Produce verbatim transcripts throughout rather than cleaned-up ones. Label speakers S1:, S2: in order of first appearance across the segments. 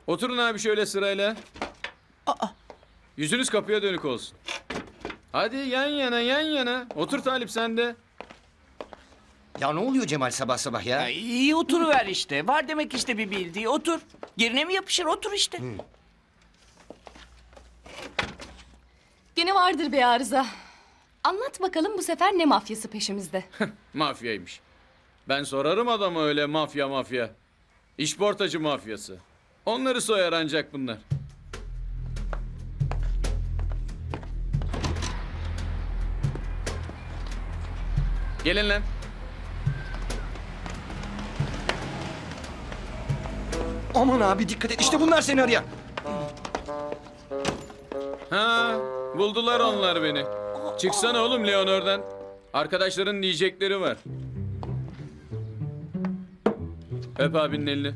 S1: Oturun abi şöyle sırayla.
S2: Aa,
S1: Yüzünüz kapıya dönük olsun. Hadi yan yana yan yana. Otur Talip sen de.
S3: Ya ne oluyor Cemal sabah sabah ya?
S2: ya iyi oturuver işte. Var demek işte bir bildiği. Otur. Yerine mi yapışır? Otur işte.
S4: Gene vardır bir arıza. Anlat bakalım bu sefer ne mafyası peşimizde?
S1: Mafyaymış. Ben sorarım adama öyle mafya mafya. İşportacı mafyası. Onları soyar ancak bunlar. Gelin lan.
S3: Aman abi dikkat et işte bunlar seni arayan.
S1: Ha, buldular onlar beni. Çıksana oğlum Leon oradan. Arkadaşların diyecekleri var. Öp abinin elini.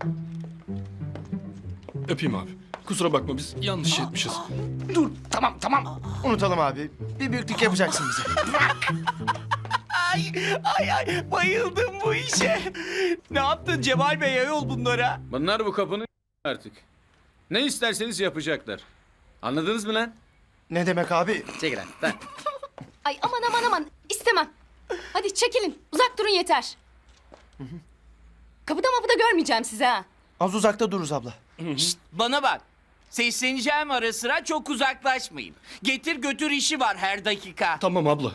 S5: Öpeyim abi. Kusura bakma biz yanlış şey etmişiz.
S3: Dur tamam tamam. Unutalım abi. Bir büyüklük yapacaksın bize.
S2: Ay ay ay bayıldım bu işe. Ne yaptın Cemal Bey ayol bunlara?
S1: Bunlar bu kapının artık. Ne isterseniz yapacaklar. Anladınız mı lan?
S3: Ne demek abi?
S1: Çekil lan. lan.
S4: Ay aman aman aman istemem. Hadi çekilin uzak durun yeter. Kapıda mapıda görmeyeceğim sizi ha.
S3: Az uzakta dururuz abla.
S2: Şşt, bana bak. Sesleneceğim ara sıra çok uzaklaşmayın. Getir götür işi var her dakika.
S5: Tamam abla.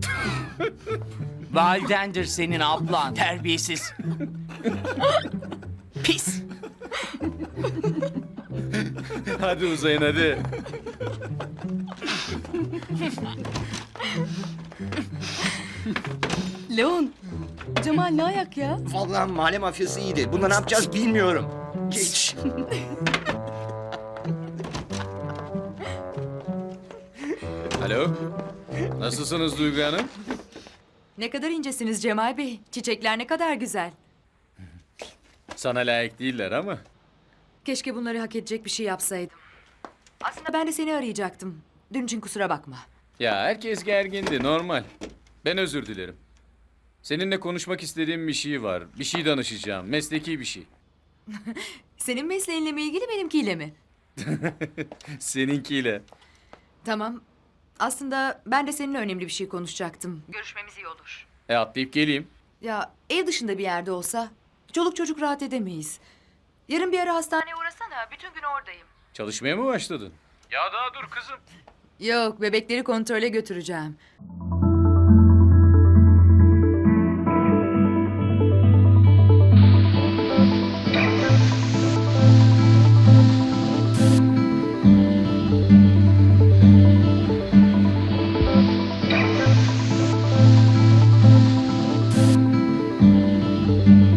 S2: Validendir senin ablan terbiyesiz. Pis.
S1: Hadi uzayın hadi.
S4: Leon, Cemal ne ayak ya?
S3: Vallahi mahalle mafyası iyiydi. Bunda ne yapacağız bilmiyorum. Geç.
S1: Alo. Nasılsınız Duygu Hanım?
S6: Ne kadar incesiniz Cemal Bey. Çiçekler ne kadar güzel.
S1: Sana layık değiller ama.
S6: Keşke bunları hak edecek bir şey yapsaydım. Aslında ben de seni arayacaktım. Dün için kusura bakma.
S1: Ya herkes gergindi normal. Ben özür dilerim. Seninle konuşmak istediğim bir şey var. Bir şey danışacağım. Mesleki bir şey.
S6: Senin mesleğinle mi ilgili benimkiyle mi?
S1: Seninkiyle.
S6: Tamam. Aslında ben de seninle önemli bir şey konuşacaktım. Görüşmemiz iyi olur.
S1: E atlayıp geleyim.
S6: Ya ev dışında bir yerde olsa çoluk çocuk rahat edemeyiz. Yarın bir ara hastaneye uğrasana. Bütün gün oradayım.
S1: Çalışmaya mı başladın? Ya daha dur kızım.
S6: Yok, bebekleri kontrole götüreceğim.